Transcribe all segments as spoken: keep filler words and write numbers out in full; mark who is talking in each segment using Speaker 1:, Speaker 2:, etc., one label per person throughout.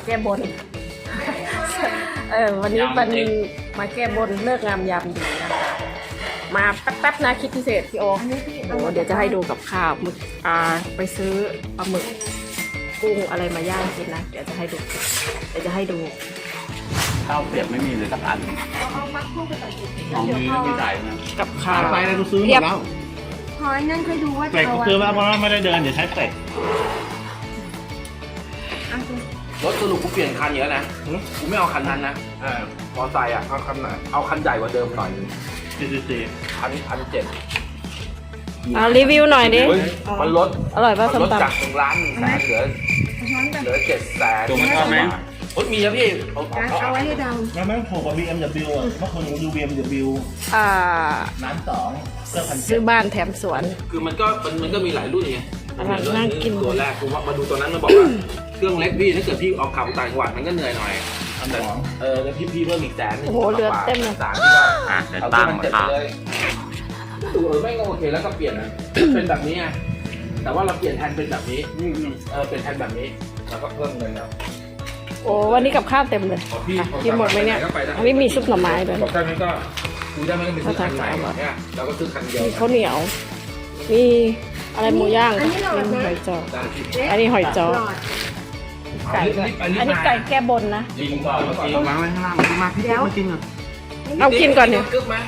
Speaker 1: แก้บนเออวันนี้มันมาแก้บนเลิกงามยามดีนะคะมาแป๊บๆนะคลิปพิเศษพี่โอโอ้เดี๋ยวจะให้ดูกับข้าวมึกอ่าไปซื้อปลาหมึกกุ้งอะไรมาย่างกินนะเดี๋ยวจะให้ดูเดี๋ยวจะให้ดู
Speaker 2: ข้าวเปียกไม่มีเลยสักอันของนี้ไม่จ่ายนะ
Speaker 1: กับข้าว
Speaker 2: ไปแล้วกูซื้อหมดแล้ว
Speaker 3: พอยนั่นค่อยดูว่า
Speaker 2: เป็ดกูซื้อแล้วเพราะว่าไม่ได้เดินเดี๋ยวใช้เป็ด
Speaker 4: รถสรุปกูเปลี่ยนคันเยอะนะกูไม่เอาคันนั้นนะมอไซค์อ่ะเอาคันไหนเอาคันใหญ่กว่าเดิมหน่อย
Speaker 2: ซีซีซี
Speaker 4: คันคันเจ็ด
Speaker 1: เอารีวิวหน่อยดิ
Speaker 4: มันลด
Speaker 1: อร่อยป่ะ
Speaker 4: มัน
Speaker 1: ส้ม
Speaker 4: ลด
Speaker 1: ตำ
Speaker 4: จากหนึ่งล้านแสนเหลือเหลือเจ็ดแสน
Speaker 2: ตัวมันชอบไหม
Speaker 4: รถมีนะพี่เอา
Speaker 3: เอาไว้ให้เดา
Speaker 2: แล้วแม่งถูกกว่า บี เอ็ม ดับเบิลยู อ่ะเมื่อคืนผมดู บี เอ็ม ดับเบิลยู
Speaker 1: อ่า
Speaker 2: ล้านสองเสื้อพัน
Speaker 1: ซื้อบ้านแถมสวน
Speaker 4: คือมันก็มันมันก็มีหลายรุ่นไง
Speaker 1: อันนั้นน่ากิน
Speaker 4: ตัวแรกกูว่ามาดูตัวนั้นมันบอกว่าเครื่องเล็กพี่ถ้าเกิดพี่เอาขับต่างจังหวัดมันก็เหนื่อยหน่อย
Speaker 2: อันสอง
Speaker 4: เออแล้วพี่พี่เพิ่มอีกแสนหนึ่ง
Speaker 1: โอ้โหเหลือเต็มเลย
Speaker 4: สามที่ว่า
Speaker 2: อ่ะเดี๋ยว
Speaker 4: เอา
Speaker 2: ตั้
Speaker 4: ที่
Speaker 2: ง
Speaker 4: มัน
Speaker 2: มา
Speaker 4: เจ็ด
Speaker 2: ค่ะ
Speaker 4: ไปเลยดูเออไม่งโอเคแล้วก็เปลี่ยนนะ เป็นแบบนี้ไงแต่ว่าเราเปลี่ยนแทนเป็นแบบนี้เออเป็นแทนแบบนี้แล้วก็เพิ่มเงินแล้ว
Speaker 1: โอ้วันนี้กับข้าวเต็มเลย
Speaker 4: ของพี่
Speaker 1: อ่ะกินหมดไหมเนี่ยอันนี้มีซุปหน่อไม้ด้วย
Speaker 4: บอกได้ไหมก็คุยได้ไหมก็ไปซื้อคันใหม่เนี่ยเราก็ซื้อคันเดียว
Speaker 1: มีข้าวเหนียว มีอะไรหมูย่างมีหอยจออันนี้หอยจอไก่ด้วยอันนี้ไก่แก้บนนะ
Speaker 4: จริงเปล่าเมื่อกี้
Speaker 2: วางไว้ข้างล่างมามาพี่เดี๋ยวมากินก่อน
Speaker 1: เอากินก่อนเนี่ย
Speaker 4: กึ๊บไหม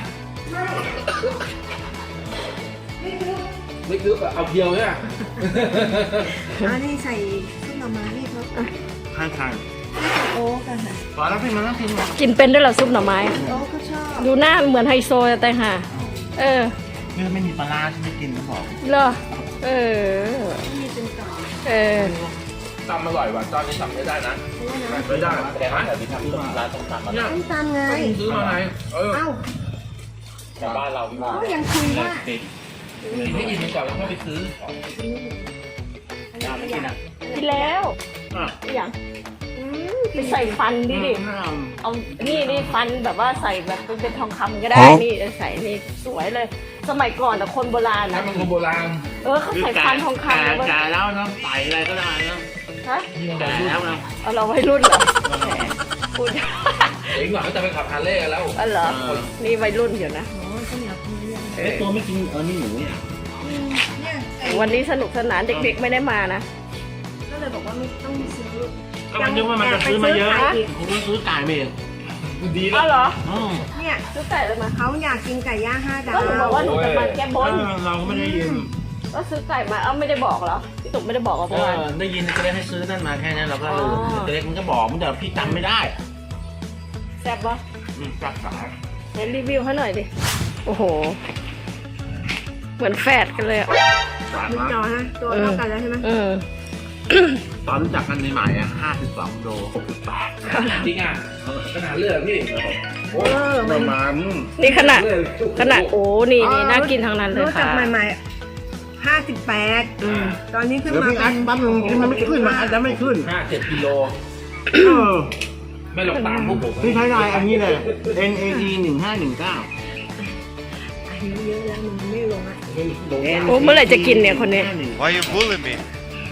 Speaker 4: ไม่กึ๊บอะเอาเพียวเนี่ย
Speaker 3: อันนี้ใส่ซุปหน่อไม้พี่เขา
Speaker 2: ข้างทาง
Speaker 3: โอ๊กอะค่ะ
Speaker 2: พอแล้วพี่มาแล้วกินก่อน
Speaker 1: กินเป็นด้วยเหรอซุปหน่อไม้
Speaker 3: โอ๊กก็ชอบ
Speaker 1: ดูหน้าเหมือนไฮโซแต่ห่าเออ
Speaker 2: นี่ไม่มีปลาร้าที่ไม่กินนะบอก
Speaker 1: เหรอเออ
Speaker 3: มีเป็นต่อ
Speaker 1: เออ
Speaker 4: ตำอร่อยว่ะตอนนี้ทำไม่ได้นะไม่ได้แต่นะ
Speaker 2: แต่ที่ทำต้มร้านต้มตำมา
Speaker 4: เนี่ย
Speaker 3: ต้มตำไง
Speaker 4: ซื้อมาไงเออ
Speaker 3: เอ้า
Speaker 2: แต่บ้านเราที่ว่า
Speaker 3: เขายังคุยว่า
Speaker 2: ติด
Speaker 4: ให้ยินมันก่อนแล้วค่อยไปซื้อ
Speaker 2: ยาไม่กินอ่ะ
Speaker 1: กินแล้ว
Speaker 2: อ่ะ
Speaker 1: อย่างอืมไปใส่ฟันดิดิเอานี่นี่ฟันแบบว่าใส่แบบเป็นเป็นทองคำก็ได้นี่ใส่นี่สวยเลย สมัยก่อนแต่คนโบราณ
Speaker 4: ถ้า
Speaker 1: นะ
Speaker 4: มันคนโบราณ
Speaker 1: เออเขาใส่ฟันทองคำนะเว้ย
Speaker 2: แก่แล้วเนาะใส่อะไรก็ได้เนาะ
Speaker 1: ฮะ
Speaker 2: แก่แล้วเนาะ
Speaker 1: เอาเราไว้รุ่นเหรอแหมพูด
Speaker 4: เองหน่อยก็จะไปขับฮาร์เลย์กันแล้ว
Speaker 1: อ๋อเหรอนี่วัยรุ่นอยู่นะ
Speaker 3: อ๋อข้าวเหนียวคุยยัง
Speaker 2: ไอ้ตัวไม่กินเออนี่หนูเนี่ย
Speaker 3: เนี่ยไอ้
Speaker 1: วันนี้สนุกสนานเด็กๆไม่ได้มานะ
Speaker 3: ก็เลยบอกว่าไม่ต้องซื้อ
Speaker 2: ก็มันนึกว่ามันจะซื้อมาเยอะผมก็ซื้อไก่เมง
Speaker 4: ดี
Speaker 1: อ๋อเหรอ
Speaker 2: อืม
Speaker 3: เนี่ย
Speaker 1: ซื้อไก่เลยมา
Speaker 3: เขาอยากกินไก่ย่างห้าดา
Speaker 1: ก็หนูบอก
Speaker 3: ว
Speaker 1: ว่าหนูจะมาแก้บน
Speaker 2: เราก็ไม่ได้ยิน
Speaker 1: ก็ซื้อไก่มาเอ้าไม่ได้บอกเหรอพี่ตุ๊กไม่ได้บอกเหรอ
Speaker 2: เอ
Speaker 1: เมื่อวาน
Speaker 2: อได้ยินก็เลยให้ซื้อนั่นมาแค่นั้นเราก็ลืม
Speaker 1: อ๋อ
Speaker 2: แต่เล็กมันก็บอกมันแต่พี่จำไม่ได้
Speaker 1: แซ่บปะ
Speaker 2: อืมจักสาย
Speaker 1: เห็นรีวิวให้หน่อยดิโอ้โห เหมือนแฝดกันเลยอ่ะ
Speaker 2: สาย
Speaker 3: มึง
Speaker 2: มา
Speaker 3: จอฮะตัวเท่ากันแล้วใช่ไหม
Speaker 1: เออ
Speaker 2: ตอนรู้จักกันใหม่ๆอ่ะห้าสิบสองโลหกสิบแปด
Speaker 4: จริงอ่ะขนาดเลือดพี่
Speaker 3: เออ
Speaker 2: ป
Speaker 3: มัน
Speaker 2: ระมาณ
Speaker 1: นี่ขนาดขนาดโอ้นี่นี่น่ากินทางนั้นเลย
Speaker 3: รู้จั
Speaker 1: ค่ะ
Speaker 3: กใหม่ๆห้าสิบแปด
Speaker 1: อืม
Speaker 3: ตอนนี้ขึ้น
Speaker 2: เดี๋ยว
Speaker 3: มา
Speaker 2: พี่อัดปั๊บนึงมันไม่ขึ้นมาอัดแล้วไม่ขึ้น
Speaker 4: ห้าเจ็ดกิโล
Speaker 2: เออ
Speaker 4: ไม่ลงตามพวกผม
Speaker 2: พี่ใช้ไลน์อันนี้เลย N A E หนึ่งห้าหนึ่งเก้า
Speaker 3: อายุเยอะแล้วมันไม่ลงอ่ะ
Speaker 1: โอ้เมื่อไหร่จะกินเนี่ยคนนี้
Speaker 5: Why you bullying me?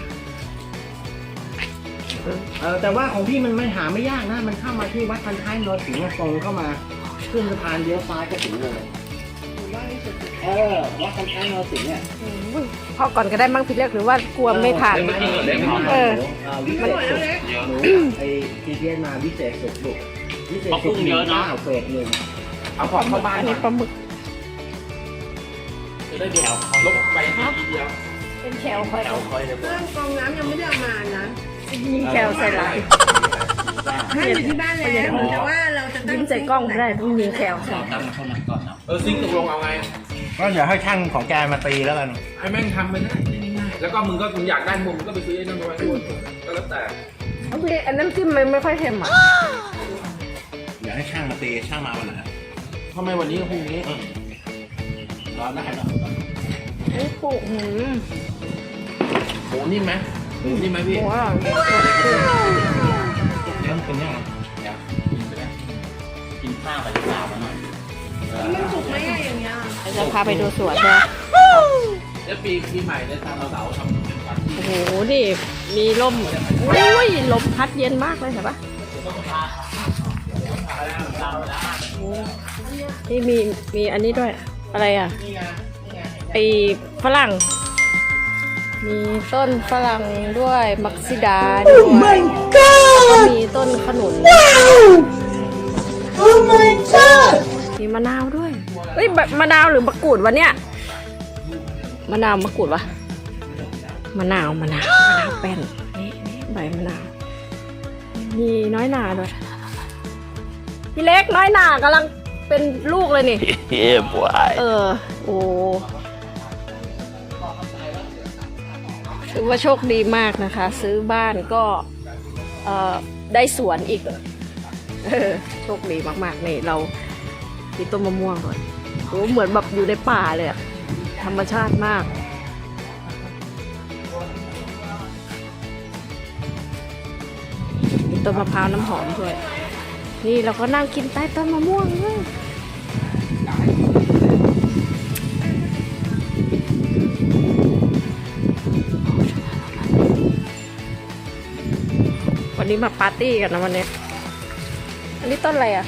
Speaker 2: เออแต่ว่าของพี่มันไม่หาไม่ยากนะ มันเข้ามาที่วัดพันท้ายนรสิงห์ตรงเข้ามาขึ้นสะพานเลี้ยวซ้ายก็ถึงเลยเออวัดพันท้ายนรสิงห์เนี่ย
Speaker 1: พอก่อนก็ได้มั้งพี่เล็กหรือว่ากลัวไม่ทันเออ
Speaker 2: วิเศษสุดหนูไอ้ทีเทียนมาวิเศษสุดลูกวิเศษสุดเยอะนะเฟสหนึ่ง
Speaker 4: เอาของเข้าบ้าน
Speaker 1: อัน
Speaker 4: หน่
Speaker 1: นี้
Speaker 4: อย
Speaker 1: ปลาหมึก
Speaker 4: จะได้เดี๋ยวลบไปทีเดียว
Speaker 1: เป็นแคลคอย
Speaker 4: แถวคอยเลย
Speaker 3: เครื่องกรองน้ำยังไม่ได้เอามานะ
Speaker 1: ยิงแคลใส่หลัง
Speaker 3: ให้อยู่ที่บ้านแล้วแต่ว่าเราจะตั้
Speaker 1: ยิ
Speaker 3: ง
Speaker 1: งใส่กล้องไม่ได้ต้องยิงแคลใส่
Speaker 4: ตั้งเท่านั้นก่อนนะเออซิงค์ตกลงเอาไง
Speaker 2: ก็อย่าให้ช่างของแกมาตีแล้วกัน
Speaker 4: ให้แม่งทำไปได้ง่ายๆแล้วก็มึงก็มึงอยากได้มุมมึงก็ไปซื้อไอ้นั่นมาไว้ด้วยก็แล้วแต่
Speaker 1: เอาพี่อันน้ำจิ้มมันไม่ค่อยเค็มอ่ะ
Speaker 2: อย่าให้ช่างมาตีช่างมาวันไหน
Speaker 4: ทำไมวันนี้กับพรุ่งนี้
Speaker 2: ร้อนได้เนาะ
Speaker 1: นี่ปลูกหืม
Speaker 4: หมูนิ่มไหมหมูนิ่มไหมพี่
Speaker 1: ว้าว
Speaker 2: เริ่มเป็นยังไง
Speaker 4: กินข้าวไปที่สามหน่อย
Speaker 3: มันสุกไหมอะอย่างเงี้ย
Speaker 1: จะพาไปดูสวนเลย
Speaker 4: แล้วปีปีใหม่เนี่ยทางเราเสาทำเป็นปาร์ตี้
Speaker 1: โอ้โห นี่มีลมโอ้ยลมพัดเย็นมากเลยเห็นปะนี่มีมีอันนี้ด้วย อะไรอ่ะไอฝรั่ง มีต้นฝรั่งด้วยมักซิดาด้วยแล้วก็มีต้นขนุน
Speaker 2: Oh my god
Speaker 1: มีมะนาวด้วยเฮ้ยมะนาวหรือมะกรูดวะเนี่ยมะนาวมะกรูดวะมะนาวมะนาวมะนาวแป้นนี่นี่ใบมะนาวมีน้อยหนาด้วยพี่เล็กน้อยหนากำลังเป็นลูกเลยนี่
Speaker 2: Yeah boy
Speaker 1: เออโอ้ถือว่าโชคดีมากนะคะ ซื้อบ้านก็เอ่อได้สวนอีกเออโชคดีมากๆนี่เรามีต้นมะม่วงก่อนโอ้เหมือนแบบอยู่ในป่าเลยอะธรรมชาติมากมีต้นมะพร้าวน้ำหอมด้วยนี่เราก็นั่งกินใต้ต้นมะม่วงด้วยวันนี้มาปาร์ตี้กันนะวันนี้อันนี้ต้นอะไรอ่ะ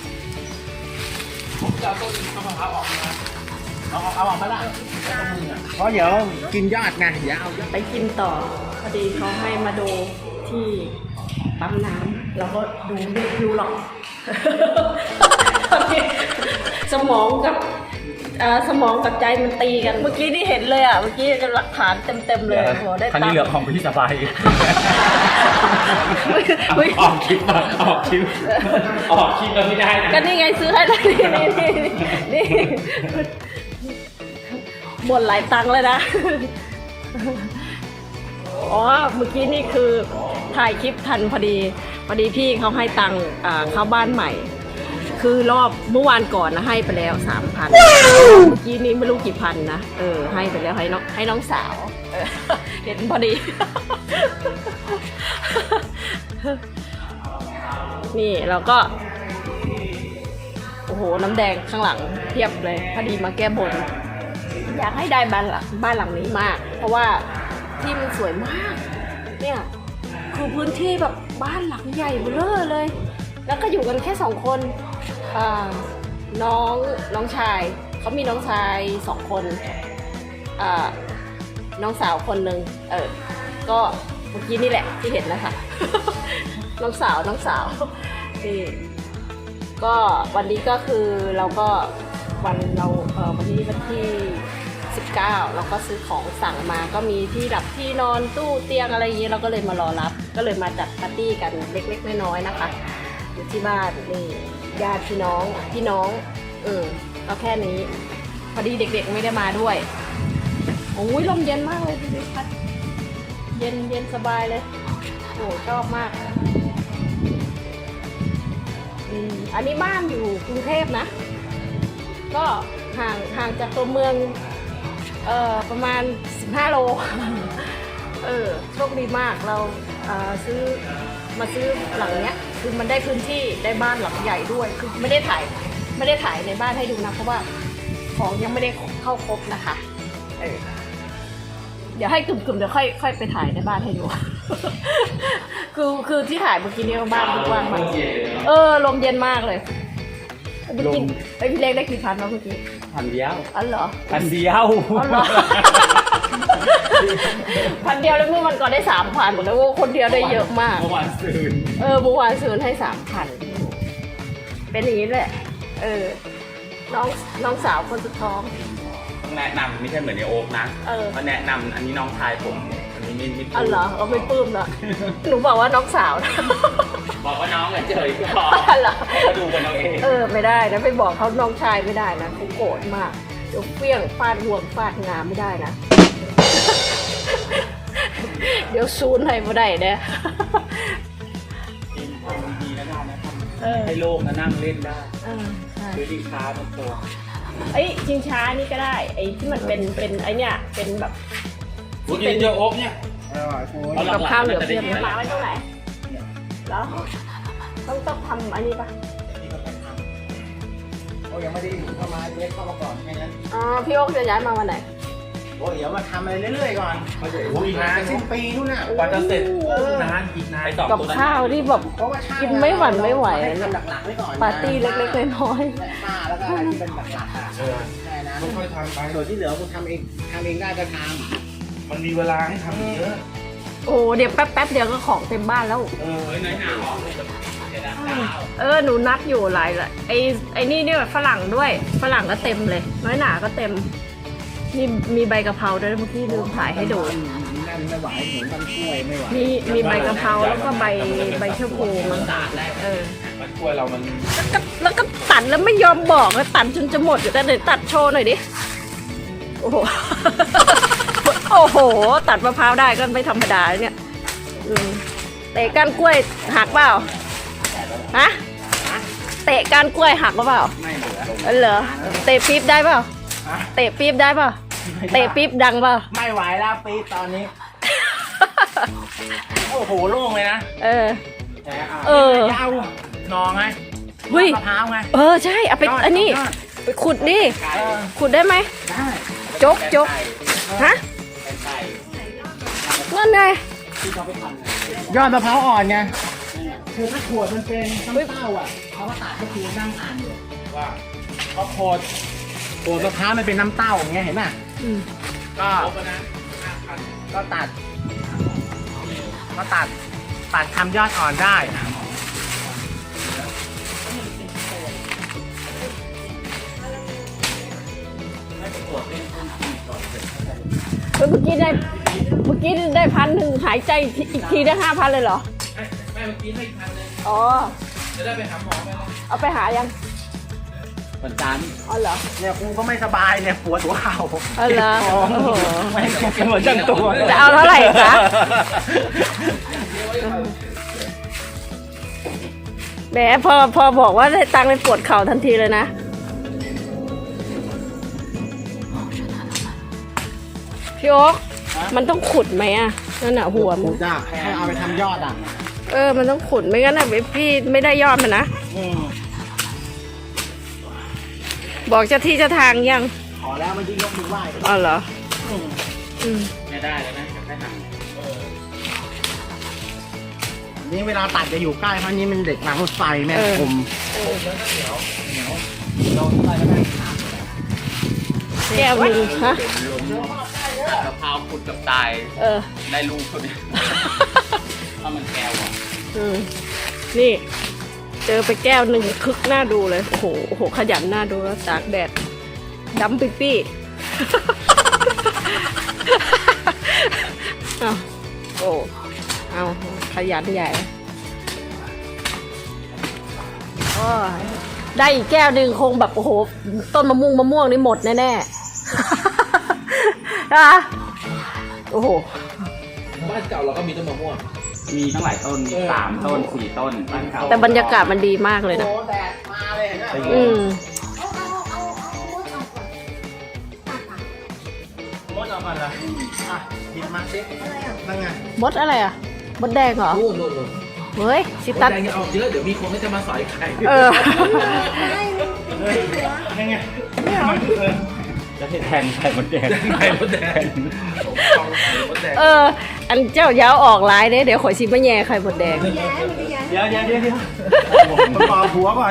Speaker 4: ผมจะเอาต้นมะพร้าวออกมาเอาเอาออกมาละ
Speaker 2: เพราะเดี๋ยวกินยอดไงอย่าเอายอด
Speaker 1: ไปกินต่อพอดีเขาให้มาดูที่ปั๊มน้ำเราก็ดูไม่รู้หรอก สมองกับเอ่อสมองกับใจมันตีกันเมื่อกี้นี่เห็นเลยอ่ะเมื่อกี้หลักฐานเต็มๆเลยโหได้
Speaker 4: คัน
Speaker 1: ตั
Speaker 4: นี้
Speaker 1: ง
Speaker 4: เหลือ
Speaker 1: ค์
Speaker 4: ของพี่สบาย
Speaker 1: อุ๊ย
Speaker 4: ออกคลิปมาออกคลิปออกคลิปก็ไม่ได้นะ
Speaker 1: ก็นี่ไงซื้อให้แล้วนี่นี่นี่นี่หมดหลายตังค์เลยนะ อ๋อเมื่อกี้นี่คือถ่ายคลิปทันพอดีพอดีพี่เขาให้ตังค์อ่าเข้าบ้านใหม่ คือรอบเมื่อวานก่อนนะให้ไปแล้วสามพันเมื่อกี้นี้ไม่รู้กี่พันนะเออให้ไปแล้วให้น้องให้น้องสาวเออเห็นพอดี นี่เราก็โอ้โหน้ำแดงข้างหลังเทียบเลยพอดีมาแก้บนอยากให้ได้บ้านหลังบ้านหลังนี้มาก เพราะว่าที่มันสวยมากเนี่ยคือพื้นที่แบบบ้านหลังใหญ่เบ้อเลย แล้วก็อยู่กันแค่สองคนอ่าน้องน้องชายเขามีน้องชายสองคนอ่าน้องสาวคนหนึ่งเออก็เมื่อกี้นี่แหละที่เห็นนะคะ น้องสาวน้องสาวนี่ก็วันนี้ก็คือเราก็วันเราเออวันนี้วันที่สิบเก้าเราก็ซื้อของสั่งมาก็มีที่ดับที่นอนตู้เตียงอะไรอย่างนี้เราก็เลยมารอรับก็เลยมาจัดปาร์ตี้กันเล็กๆน้อยๆนะคะอยู่ที่บ้านนี่ญาติพี่น้องพี่น้องเออก็แค่นี้พอดีเด็กๆไม่ได้มาด้วยโอ้ยลมเย็นมากเลยพี่ดิพัดเย็นเย็นสบายเลยโอ้ชอบมากอืมอันนี้บ้านอยู่กรุงเทพนะก็ห่างห่างจากตัวเมืองเอ่อประมาณสิบห้าโล เออโชคดีมากเราเอ่อซื้อมาซื้อหลังเนี้ยคือมันได้พื้นที่ได้บ้านหลังใหญ่ด้วยคือไม่ได้ถ่ายไม่ได้ถ่ายในบ้านให้ดูนะเพราะว่าของยังไม่ได้เข้าครบนะคะเออเดี๋ยวให้กลุ่มๆเดี๋ยวค่อยค่อยไปถ่ายในบ้านให้ดู คือคือที่ถ่ายเมื่อกี้นี้บ้านกว้างมากเออลมเย็นมากเลยเมื่อกี้ไอพี่เล็กได้กี่พันวะเมื่อกี้
Speaker 4: พันเดียว
Speaker 1: อ๋อเหรอ
Speaker 4: พันเดียว
Speaker 1: อ๋อเหรอ พันเดียวแล้วเมื่อวันก่อนได้สามพันแล้วคนเดียวได้เยอะมาก
Speaker 4: เมื่อวานซืน
Speaker 1: เออเมื่อวานซื้อให้สามพันเป็นอย่างนี้แหละเออน้องน้องสาวคนสุดท้อง
Speaker 5: ต้องแนะนำไม่ใช่เหมือนในโอ๊กนะ
Speaker 1: เออ
Speaker 5: มาแนะนำอันนี้น้องชายผม อันนี้ไม่ไม่
Speaker 1: อ๋อเหรอเอาไม่ปลื้มเหรอหนูบอกว่าน้องสาวนะ
Speaker 5: บอกว่าน้องเฉยๆก็พอ
Speaker 1: อ๋อเหรอ
Speaker 5: ให้เขาดูกันเอาเอง
Speaker 1: เออไม่ได้นะไปบอกเขาน้องชายไม่ได้นะเขาโกรธมากเดี๋ยวเปี้ยงฟาดห่วงฟาดงามไม่ได้นะ เดี๋ยวซูนให้ไม่ได้นะ
Speaker 5: กินทำดีๆแล้วกันนะครับ
Speaker 1: เออ
Speaker 5: ให้โลกมานั่งเล่นได้
Speaker 1: เออใช่
Speaker 5: ซื้อดีค้ามาโต
Speaker 1: ไอ้ยชิงช้านี่ก็ได้ไอ้ที่มันเป็นเป็นไอ้เนี่ยเป็นแบบ
Speaker 5: พูดกินเจอโอ๊กเนี่ย
Speaker 2: อร่อยโอ้ย
Speaker 5: เอาหลั
Speaker 1: กับ
Speaker 5: กๆ
Speaker 1: ข้าวเหลือ
Speaker 5: มันจะ
Speaker 1: เพียบ
Speaker 5: ได้ยิน
Speaker 1: มาไว้ตรงไหนแล้วต้องต้องทำอันนี้ปะ
Speaker 2: โอ้ยังไม่ได้เข้ามาเล็กเข้ามาก่อนแค่นั้น
Speaker 1: อ๋อพี่โอ๊คจะย้ายมาวันไหน
Speaker 2: โอ้ยเดี๋ยวมาทำอะไรเรื่อยๆก่อน
Speaker 4: โอ้ยนาน
Speaker 2: สิ้นปีนู่นน่ะ
Speaker 4: กว่าจะเสร็จนานอีกนาน
Speaker 1: กับข้าวที่แบบ
Speaker 2: เพราะว่าช่าง
Speaker 1: กินไม่หวั่นไม่ไหว
Speaker 2: ให้ทำหลักๆไว้ก่อนนะ
Speaker 1: ปาร์ตี้เล็กๆน้อย
Speaker 2: ป้าแล้วก็อะไรที่เป็นหลักๆอ่ะ
Speaker 4: เออ
Speaker 2: แค่นั้น
Speaker 4: ค่อยๆทำไป
Speaker 2: ส่วนที่เหลือคุณทำเองทำเองได้ก็ท
Speaker 4: มันมีเวลาให้ทำอีกเยอะ
Speaker 1: ๆโอ้เดี๋ยวแป๊บๆเดี๋ยวก็ของเต็มบ้านแล้ว
Speaker 4: เออเฮ้ยน้อยหนาออกเลย
Speaker 1: เออหนูนัดอยู่หลายละไอไอนี่เนี่ยฝรั่งด้วยฝรั่งก็เต็มเลย น้อยหนาก็เต็มนี่มีใบกะเพราด้วยเมื่อกี้ลืมถ่ายให้ดู
Speaker 2: ำนั่นไม่ไหวหมูมันช่วยไม่ไหว
Speaker 1: มีมีใบกะเพราแล้วก็ใบใบชะพูมันเออ
Speaker 4: มันช่วยเรามัน
Speaker 1: แล้วก็แล้วก็ตัดแล้วไม่ยอมบอกแล้วตัดจนจะหมดอยู่แต่เดี๋ยวตัดโชว์หน่อยดิโอ้โห โอ้โห ตัดมะพร้าวได้ก็ไม่ธรรมดาเนี่ยอืมเตะก้านกล้วยหักเปล่าฮะเตะก้านกล้วยหักหรือเปล่า
Speaker 2: ไม่เหลือ
Speaker 1: เออเหรอเตะปี๊บได้เปล่า
Speaker 2: ฮะ
Speaker 1: เตะปี๊บได้เปล่าเตะปี๊บดังเปล่า
Speaker 2: ไม่ไหวแล้วปีตอนนี้ โอ้โหโล่งเลยนะ
Speaker 1: เออ
Speaker 2: แต่อ่ะ
Speaker 1: เออ
Speaker 2: ยาวหนองไง
Speaker 1: เฮ้ย
Speaker 2: มะพร้าวไง
Speaker 1: เออใช่เอาไป
Speaker 2: ยด
Speaker 1: อันนี้
Speaker 2: ยด
Speaker 1: ไปขุดดิ
Speaker 2: เออ
Speaker 1: ขุดได้ไหม
Speaker 2: ได้
Speaker 1: จกจกฮะนั่นไง
Speaker 2: ยอดมะพร้าวอ่อนไงคือถ้าขวดมันเป็นน้ำเต้าอ่ะเขาก็ตัดก็คือนั่งอ่านอยู่
Speaker 4: ว่า
Speaker 2: เพราะโคดโคดมะพร้าวมันเป็นน้ำเต้าอย่างเงี้ยเห็นป่ะ
Speaker 1: อืม
Speaker 2: ก็
Speaker 4: ครบแล้วนะห้าพัน
Speaker 2: ก็ตัด ก็ตัด ตัดทำยอดอ่อนได้
Speaker 1: เฮ้ยเมื่อกี้ได้เมื่อกี้ได้พันหนึ่งหายใจอีกทีได้ห้าพันเลยเหรอ
Speaker 4: แม่เมื่อกี้ให้อีกพันนึง
Speaker 1: อ๋อ
Speaker 4: จะได้ไปหาหมอไหมล่ะ
Speaker 1: เอาไปหายัง
Speaker 2: วันจันทร์
Speaker 1: อ๋อเหรอ
Speaker 2: เนี่ยกูก็ไม่สบายเนี่ยปวดหัวเข่า
Speaker 1: อ๋อเหรอโอ้โห
Speaker 2: ไม่เป็นหัวจังตัว
Speaker 1: จะเอาเท่าไหร่คะ แหมพอพอบอกว่าได้ตังค์เลยปวดเข่าทันทีเลยนะพี่โอ๊คมันต้องขุดไหมอ่ะนั่นน่ะหัวมั
Speaker 2: กู
Speaker 1: น
Speaker 2: จ้าให้เอาไปทำยอดอ่ะ
Speaker 1: เออมันต้องขุดไม่งั้นน่ะพี่ไม่ได้ยอดมันนะ
Speaker 2: อืม
Speaker 1: บอกเจ้าที่เจ้าทางยัง
Speaker 2: ขอแล้วมันยิ่งยกมือไหว้
Speaker 1: อ๋อเหรอ
Speaker 2: อืม
Speaker 1: อืม
Speaker 5: ไม่ได้แล้วนะจะแค่ท
Speaker 2: นี่เวลาตัดจะอยู่ใกล้เพราะนี่มันเด็กรางรถไฟแม่คม
Speaker 1: แก้วหนึ่งฮะ
Speaker 5: ำมะพร้าวขุดกับตาย
Speaker 1: เออ
Speaker 5: ได้ลูกคนนี้ถ้ามันแก้วอ่ะ
Speaker 1: อืมนี่ เจอไปแก้วหนึ่งคึกหน้าดูเลย โอ้โหโอ้โห ขยันหน้าดูแล้วตากแดดดำปิ๊ปี้ เอาโอ้เอาขยันใหญ่โอ้ยได้อีกแก้วหนึ่งคงแบบโอ้โห ต้นมะม่วงมะม่วงนี่หมดแน่ๆ นะโอ้โห
Speaker 4: บ้านเก่าเราก็มีต้นมะม่วง
Speaker 5: มีทั้งหลายต้นสามต้นสี่ต้นบ้านเก่า
Speaker 1: แต่บรรยากาศมันดีมากเลยนะ
Speaker 2: โอ้แดดมาเลยเห็นไหม
Speaker 1: อืม
Speaker 2: มดเอามาละอ่ะหยิบมาสินั่นไง
Speaker 1: มดอะไรอ่ะ มดแดงเหรอ
Speaker 4: นู่นนู่นนู่น
Speaker 1: เฮ้ย ชิ
Speaker 4: ม
Speaker 1: ตั
Speaker 4: ด
Speaker 1: ด
Speaker 4: แดงยังออกเยอะเดี๋ยวมีคนก็จะมาสอยไข่
Speaker 1: เออ
Speaker 2: นั่นไง
Speaker 5: จะให้แทนไข่มดแดง
Speaker 4: ไข่มดแดงของไข่มดแดง
Speaker 1: เออ อันเจ้าย้าวออกลายเด้เดี๋ยวขอยชิมะแย่ไข่มดแดง
Speaker 2: เดี๋ยวเดี๋ยวเดี๋ยวเดี๋ยวผมปอกหัวก่อน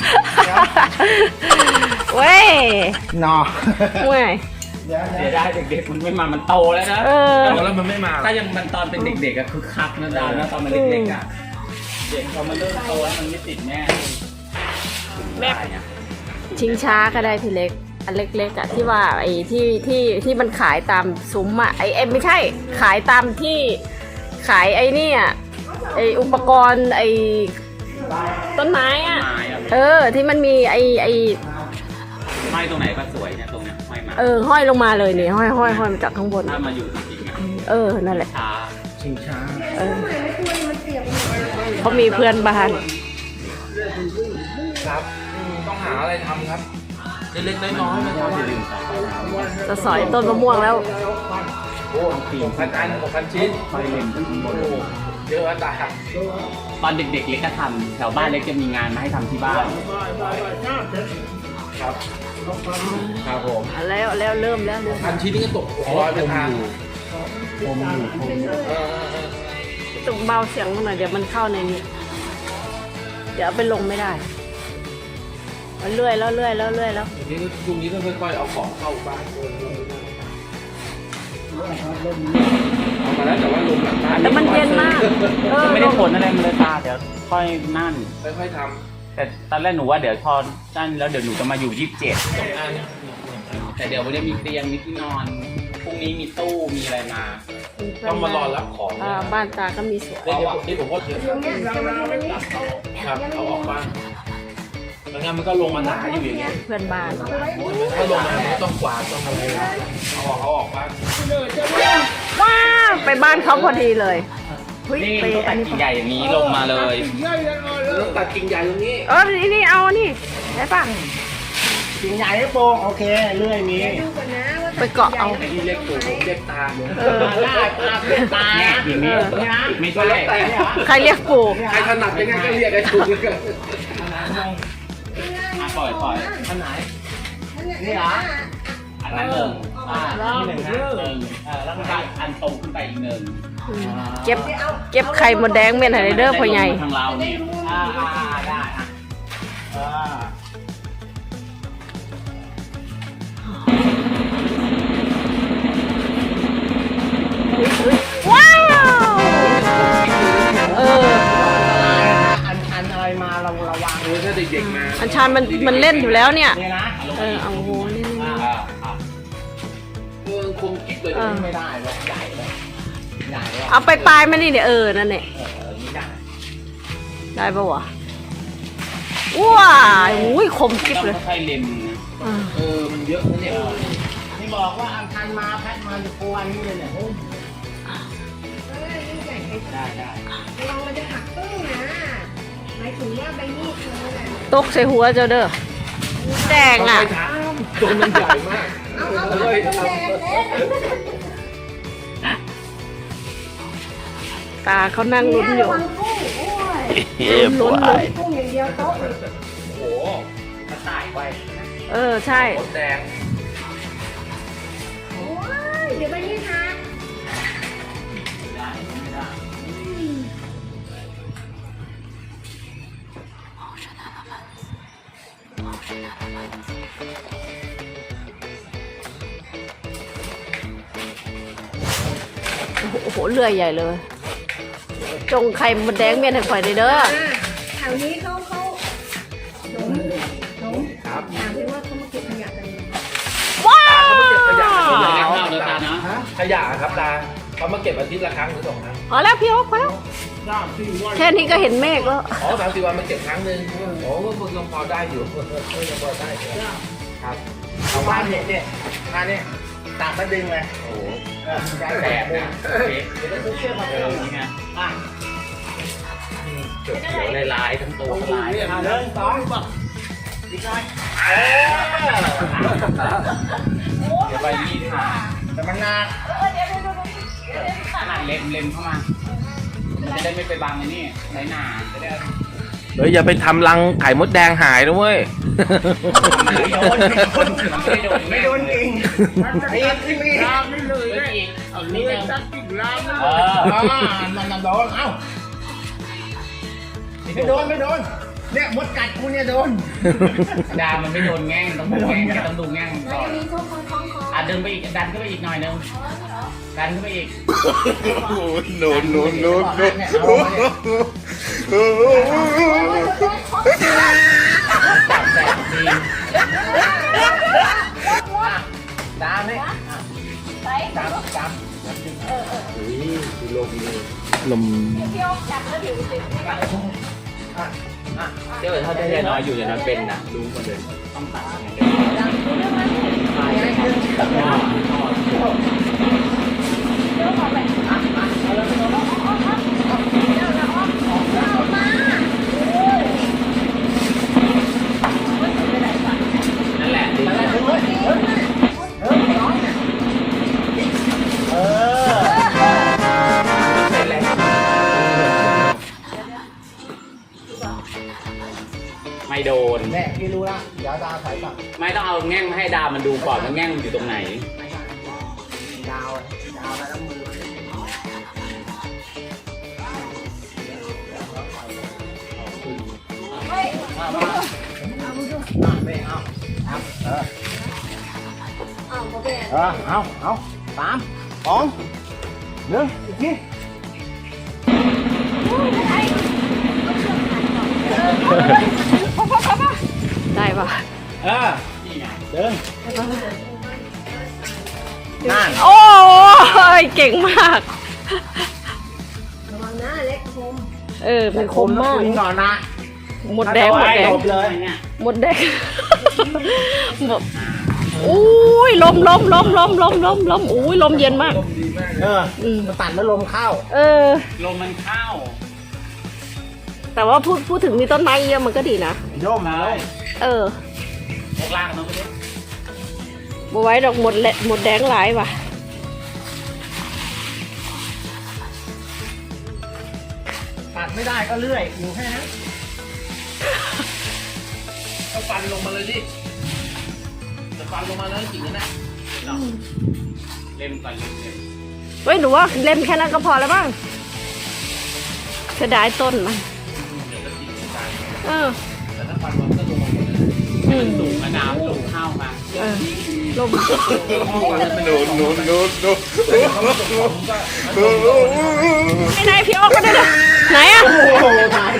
Speaker 1: เว้ย
Speaker 2: นอ
Speaker 1: เว้ย
Speaker 2: เดี๋ยว
Speaker 5: เสียดายเด็กๆมันไม่มา มันโตแล้วนะ
Speaker 1: เออ
Speaker 4: โตแล้วมันไม่มา
Speaker 5: ถ้ายังมันตอนเป็นเด็กๆอะคือคักนะดาวนะตอนมันเด็กๆอะเด็กพอมันเริ่มโตแล้วมันไม่ติดแม่
Speaker 1: แม่
Speaker 5: ได้เนี่ย
Speaker 1: ชิงช้าก็ได้ทีเล็ก อันเล็กๆอ่ะที่ว่าไอ้ที่ที่ที่มันขายตามซุ้มอ่ะไอ้เอ็มไม่ใช่ ขายตามที่ขายไอ้นี่อ่ะไอ้อุปกรณ์ไอ้ต้นไม้อ่ะ
Speaker 5: ไม้อะ
Speaker 1: เออ ที่มันมีไอ้ไอ้
Speaker 5: ไม้ตรงไหนก็สวยเนี่ยตรงเนี้ยไม้มา
Speaker 1: เออห้อยลงมาเลยนี่ห้อยห้อยห้อยมาจากข้างบน
Speaker 5: ถ้ามาอยู่จริงๆอะ
Speaker 1: เออนั่นแหละ
Speaker 5: ช้า
Speaker 2: ชิงช้า
Speaker 1: เออเขามีเพื่อนบ้าน
Speaker 4: ครับต้องหาอะไรทำครับเล็กๆน้อยๆมาทำอย่าลืม
Speaker 1: จะสอยต้นมะม่วงแล้ว
Speaker 4: โอ้หกพันอันหกพันชิ้น
Speaker 5: ไฟเล่น
Speaker 4: โอ้โหเยอะตา
Speaker 5: ตอนเด็กๆเล็กก็ทำแถวบ้านเล็กจะมีงานมาให้ทำที่บ้าน
Speaker 4: เครับครับผม
Speaker 1: อ่ะแล้วแล้วเริ่มแล้วเริ่ม
Speaker 4: พันชิ้นนี่ก็ตกร้อยไปทาง
Speaker 2: ผมอยู่ผมอยู่
Speaker 4: เออเออเออ
Speaker 1: ตุกเบาเสียงมันหน่อยเดี๋ยวมันเข้าในนี้ เดี๋ยวเอาไปลงไม่ได้เอาเลื่อยแล้วเลื่อยแล้วเลื่อยแล้ว
Speaker 4: ทีนี้ก็ช่วงนี้ก็ค่อยๆเอาของเข้าบ้านเอามาแล้วแต่ว่าลงหลังบ้าน
Speaker 1: แต่มันเย็นมากเออ
Speaker 5: ไม่ได้ผลอะไรมันเลยตาเดี๋ยวค่อยนั่น
Speaker 4: ค่อยๆท
Speaker 5: แต่ตอนแรกหนูว่าเดี๋ยวพอนั่นแล้วเดี๋ยวหนูจะมาอยู่ยี่สิบเจ็ดแต่เดี๋ยววันนี้มีเตียงมีที่นอนพรุ่งนี้มีตู้มีอะไรมา
Speaker 4: ำต้องมารอรับของ
Speaker 1: อ่าบ้านตาก็มีสวน
Speaker 4: เดี๋ยวผมนี่ผมก็เยอะครับเอาออกบ้านแล้วงั้นมันก็ลงมาหนาอยู่อย่างเงี้ย
Speaker 1: เพื่อนบ้าน
Speaker 4: ถ้าลงมามันก็ต้องกวาดต้องอะไรเอาออกเอาออกบ้าน
Speaker 1: ว้าวไปบ้านเขาพอดีเลยเฮ้ย
Speaker 5: นี่
Speaker 1: ไป
Speaker 5: ต้อง
Speaker 1: อั
Speaker 5: ตั
Speaker 1: น
Speaker 5: ด
Speaker 1: นี้
Speaker 5: กิ่งใหญ่อย่างนี้ลงมาเลย
Speaker 4: ต้องตัดกิ่งใหญ่ตรงนี้
Speaker 1: เออนี่นี่เอานี่ได้ป่ะ
Speaker 2: กิ่งใหญ่ให้โปงโอเคเลื่อยมี
Speaker 3: ดูก่อนนะว่า
Speaker 1: ไปเกาะเอา
Speaker 4: ที่เรียกปู่ผมเรียกตา
Speaker 1: เออ
Speaker 2: ได้ตาเป็นตา
Speaker 5: เนี่ยอย่างนี้ไม่
Speaker 4: ก็
Speaker 5: ใช่
Speaker 4: แล้วแต่
Speaker 1: ใครเรียกปู่
Speaker 4: ใครถนัดยังไงก็เรียกไอ้ถูกกัน
Speaker 5: อ่ะปล่อยปล่อย
Speaker 2: อันไหน
Speaker 3: นี่เหรอ
Speaker 5: อันนั้นหนึ่งอ่าที่หนึ่งนะหนึ่งเออแล้วก็อันตรงขึ้นไปอีกหนึ่ง
Speaker 1: เก็บเก็บไข่มดแดงเม่นไฮเดอร์พ่อใหญ่
Speaker 5: ทางเรานี่อ่าอ่าอ่าได้อ่ะอ่า
Speaker 1: ว้าวเออ
Speaker 2: อันอันอะไรมาเราระวัง
Speaker 4: เออถ้าเด็กๆมา
Speaker 1: อัญชันมันมันเล่นอยู่แล้วเนี่ย
Speaker 2: เนี่ยนะ
Speaker 1: เออเอาโหเล่น
Speaker 5: อ่าอ่า
Speaker 4: เออคมกิ๊บเลย
Speaker 1: เออ
Speaker 2: ไม่ได้เลยใหญ่เลยใหญ่เลย
Speaker 1: เอาไปปลายมันนี่เนี่ยเออนั่นเนี่ย
Speaker 2: เออนี่ได้
Speaker 1: ได้ปะวะว้าวอุ้ยคมกิ๊บ
Speaker 5: ต้อง
Speaker 1: เลย
Speaker 5: ค่อยๆเล็มนะ
Speaker 1: อ่า
Speaker 4: เออมันเยอะนะเนี่ย
Speaker 2: นี่บอกว่าอันทันมาแพทมาจะกวนนี่เลยเนี่ยโอ้ย
Speaker 3: เออนี่ใหญ่ไป
Speaker 5: ได้ได้
Speaker 3: ลองมันจะหักตึ้งนะหมายถึงว่าใบมีดเธอน่ะ
Speaker 1: ตกใส่หัวเจ้าเด้อแดงอ่ะ
Speaker 4: ตัวมันใหญ่มาก
Speaker 3: เอาเอา
Speaker 4: เฮ้ย
Speaker 3: เอาแดงเล็ก
Speaker 1: ตาเขานั่งลุ้นอยู่
Speaker 3: ระวังกุ้งโอ้ย
Speaker 1: ลุ้นลุ้นลุ้น
Speaker 3: กุ้งอย่างเดียวโต๊ะเลย
Speaker 4: โอ้โห
Speaker 5: กระต่ายไว้
Speaker 1: เออใช่
Speaker 4: มดแดง
Speaker 3: โอ้ยเดี๋ยวใบมีดหัก
Speaker 5: ได้ไม่ได้
Speaker 1: โอ้โหเลื่อยใหญ่เลย จงไข่มดแดงเม่นให้ข่อยได้เด้อ
Speaker 3: อ่าแถวนี้เขาเขาหนมหนม
Speaker 4: ครับ
Speaker 3: ถามเลยว่าเขามาเก็บขยะกันไหม
Speaker 1: ว้า
Speaker 4: ขยะ
Speaker 1: ว
Speaker 5: เดี๋ยวเล่นข้าวเดี๋ยวตานะ
Speaker 4: ขยะครับตาเขามาเก็บอาทิตย์ละครั้งหรือสองครั้ง
Speaker 1: พอแล้วพี่โอ๊คพอแล้วแค่นี้ก็เห็นเมฆแล้ว
Speaker 4: อ๋อสามสิบวันมาเก็บครั้งหนึ่งโอ้ก็ยังพอได้อยู่ยังพอได้อยู่ครับ
Speaker 2: เอาบ้านเนี่ยเนี่ยมาเนี่ยตัดมาดึงเลย
Speaker 4: โอ้โห
Speaker 2: เออได้
Speaker 5: แส
Speaker 2: แต่
Speaker 5: บนะเอ๊ะ
Speaker 2: เดี๋ยวต้องเชื่อมา
Speaker 5: เอ
Speaker 2: เอ
Speaker 5: อ
Speaker 2: อ
Speaker 5: นี่ไง
Speaker 2: อ่ะ
Speaker 5: เขียวเขียวลายๆทั้งตัวลาย
Speaker 2: อ่ะเดินสองบอกอีกหน่อยเออ
Speaker 5: เดี๋ยวใบมีดหา
Speaker 2: แต่มันหนัก
Speaker 5: ขนาดเล็มเล็มเข้ามาจะได้ไม่ไปบังไอ้นี่ไรหนาจะได้
Speaker 4: เฮ้ยอย่าไปทำรังไข่มดแดงหายนะเว้ย
Speaker 5: ไม่โดนไม่โดนไม่โดน
Speaker 2: ไม่โดนจริงไอ้ที่มี
Speaker 5: ลามไม่เลยไม่อีกเอานี่เลยจัดกิ่งลามเอ
Speaker 2: อ่า
Speaker 5: อ
Speaker 2: มันโดนเอ้าไม่โดนไม่โดนเนี่ยมดกัดกูเนี่ยโดน
Speaker 5: ดามันไม่โดนแง่งต้องดูแง่งแกต้องดูแง่ง
Speaker 3: แล้ว
Speaker 5: ก่อ
Speaker 3: จะ
Speaker 5: น
Speaker 3: มีช่วงคล้องคล้องคอ
Speaker 5: อ่ะดึงไปอีกดันขึ้นไปอีกหน่อยนึงดันขึ้นไปอีก
Speaker 2: no no no no
Speaker 5: จับแสบดี
Speaker 2: ดามนี่ดามดาม
Speaker 4: ลม
Speaker 5: เจ้าถ้าได้น้อยอยู่อย่างนั้นเป็นนะรู้หมดเลยต้องตัดยังไง นั่นแหละดึง
Speaker 2: เออ
Speaker 5: เป็นแหละไม่ไม่โดน
Speaker 2: แน่พี่รู้ละเดี๋ยวดาวสายตัด
Speaker 5: ไม่ต้องเอาแง่งมาให้ดาวมันดูก่อนว่าแง่งมันอยู่ตรงไหน
Speaker 2: ไม่ใช่ดาวดาวแล้วมือมามาไม่เอาเอาเออ
Speaker 3: เอาเขาไป
Speaker 2: เออเอาเอาสามสองหนึ่งอีกที
Speaker 1: ได้ปะ
Speaker 2: เออเดินนั่น
Speaker 1: โอ้ยเก่งมาก
Speaker 3: ระวังนะเล็กคม
Speaker 1: เออมันคมมาก
Speaker 2: คุยก่อนนะ
Speaker 1: หมดแดงหมดแดง
Speaker 2: จบเลย
Speaker 1: หมดแดงหมดอุ้ยลมลมลมลมลมลมลมอุ้ยลมเย็นมาก
Speaker 2: เออ
Speaker 1: อืม
Speaker 2: มันตัดแล้วลมเข้า
Speaker 1: เออ
Speaker 5: ลมมันเข้า
Speaker 1: แต่ว่าพูดพูดถึงมีต้นไม้เยอะมันก็ดีนะ
Speaker 2: โยมมาเลย
Speaker 1: เออ
Speaker 5: พวกล่างเนาะพี่เล็ก
Speaker 1: บไว้ดอกหมดแหละหมดแดงหลายว่ะ
Speaker 2: ตัดไม่ได้ก็เลื่อยอยู่แค่นั้น
Speaker 4: ก็ฟันลงมาเลยดิจะฟันลงมาแล้วจริงๆนะ
Speaker 5: เล่มก่อนเล่มเล่ม
Speaker 1: เฮ้ยหนูว่าเล่มแค่นั้นก็พอแล้วบ้างเสียดายต้นมันเออ
Speaker 4: แต่ถ้าฟันมันก็ลงมาหมดเลย
Speaker 1: อืม
Speaker 5: สูงนะดาวสูงเข้ามา
Speaker 1: เออลม
Speaker 4: หนูหนูหนูหนู
Speaker 1: ไอ้นายพี่ออกก็ได้เลยไหนอ่ะ
Speaker 2: โอ้โหถ่าย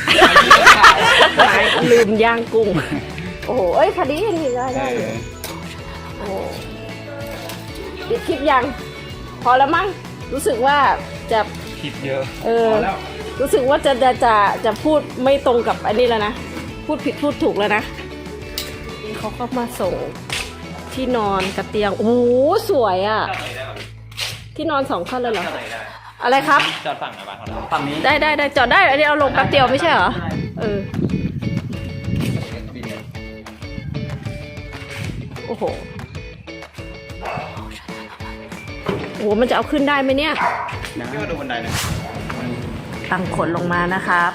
Speaker 1: ลืมย่างกุ้ง โอ้โหเอ้ยพอดีนี่ได้ได้อยู่โอ้โหปิดคลิปยัง พอแล้วมั้ง รู้สึกว่าจะ
Speaker 5: คิดเยอะ
Speaker 1: เออ รู้สึกว่าจะจะจะจะพูดไม่ตรงกับอันนี้แล้วนะ พูดผิดพูดถูกแล้วนะนี่เขาก็มาส่งที่นอนกับเตียง โอ้โหสวยอ่ะ ที่นอนสองขั้นเลยเหรอ อะไรครับ
Speaker 5: จอดฝั่งไหนบ้างฝั่งนี้
Speaker 1: ได้ได้ได้จอดได้ อันนี้เอาลงแป๊บเดียวไม่ใช่เหรอ เออ โอ้โห โอ้โห มันจะเอาขึ้นได้ไหมเนี่ย
Speaker 5: พี่มาดูบันไดหน่อย
Speaker 1: ตั้งขนลงมานะครับ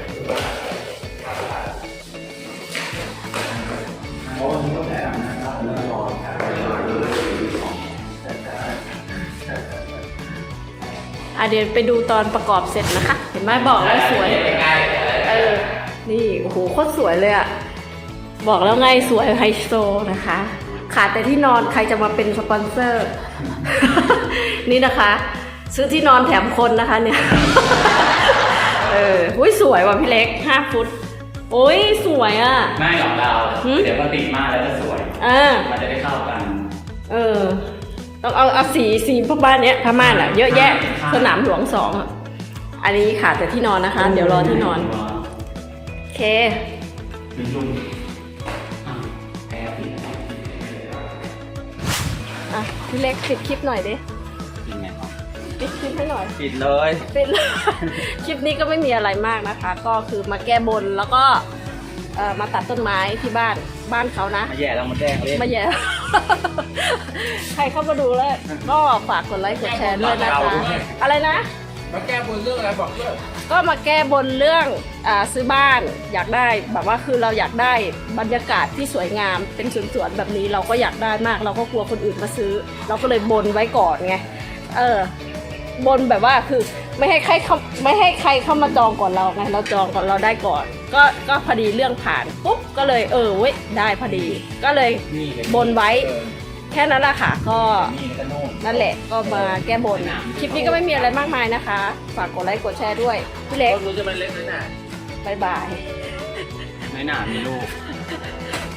Speaker 1: อ่ะเดี๋ยวไปดูตอนประกอบเสร็จนะคะ เห็นไหมบอกแล้วสวย เออ นี่ โอ้โห โคตรสวยเลยอะบอกแล้วไงสวยไฮโซนะคะ ขาดแต่ที่นอนใครจะมาเป็นสปอนเซอร์ นี่นะคะ ซื้อที่นอนแถมคนนะคะเนี่ย เอออุ้ยสวยว่ะพี่เล็กห้าฟุตโอ้ยสวยอ่ะ
Speaker 5: ไม่หรอกดาว
Speaker 1: หืม
Speaker 5: เดี๋ยวก็ติดมากแล้วจะสวย
Speaker 1: อ่า
Speaker 5: มันจะได้เข้ากัน
Speaker 1: เออ ต้องเอาเอาสีสีพวกบ้านเนี้ยผ้าม่านอ่ะ เยอะแยะ สนามหลวงสองอ่ะ อันนี้ขาดแต่ที่นอนนะคะ เดี๋ยวรอที่นอน โอเค
Speaker 5: ลุงลุงอ่ะแอบปิด
Speaker 1: อ่ะ พี่เล็กปิดคลิปหน่อยดิ
Speaker 5: ปิดไงครับ
Speaker 1: ปิดคลิปให้หน่อย
Speaker 5: ปิดเลย
Speaker 1: ปิดเลย คลิปนี้ก็ไม่มีอะไรมากนะคะ ก็คือมาแก้บนแล้วก็เอ่อมาตัดต้นไม้ที่บ้านบ้านเขานะ
Speaker 5: มาแย่เรามาแดงเล่น
Speaker 1: มาแย่ ใครเข้ามาดูแล้ว ก็ฝากกดไลค์กดแชร์ด้วยนะคะ อะไรนะ
Speaker 4: มาแก้บนเรื่องอะไรบอกด้วย
Speaker 1: ก็มาแก้บนเรื่องอาซื้อบ้านอยากได้แบบว่าคือเราอยากได้บรรยากาศที่สวยงามเป็นสวนๆแบบนี้เราก็อยากได้มาก เราก็กลัวคนอื่นมาซื้อ เราก็เลยบนไว้ก่อนไงเออบนแบบว่าคือไม่ให้ใครเข้าไม่ให้ใครเข้ามาจองก่อนเราไงเราจองก่อนเราได้ก่อน ก็ก็พอดีเรื่องผ่านปุ๊บก็เลยเออเว้ยได้พอดี ก็เลย
Speaker 5: นี่เลย
Speaker 1: บนไว้แค่นั้นแหละค่ะก็
Speaker 5: นี่แล้วก็โน่น
Speaker 1: นั่นแหละก็มาแก้บน คลิปนี้ก็ไม่มีอะไรมากมายนะคะ ฝากกดไลค์กดแชร์ด้วย พี่เล็ก
Speaker 4: ก็รู้จะเป็นเล็กน้อยหนา
Speaker 1: บายบาย
Speaker 5: ไม่หนามีลูก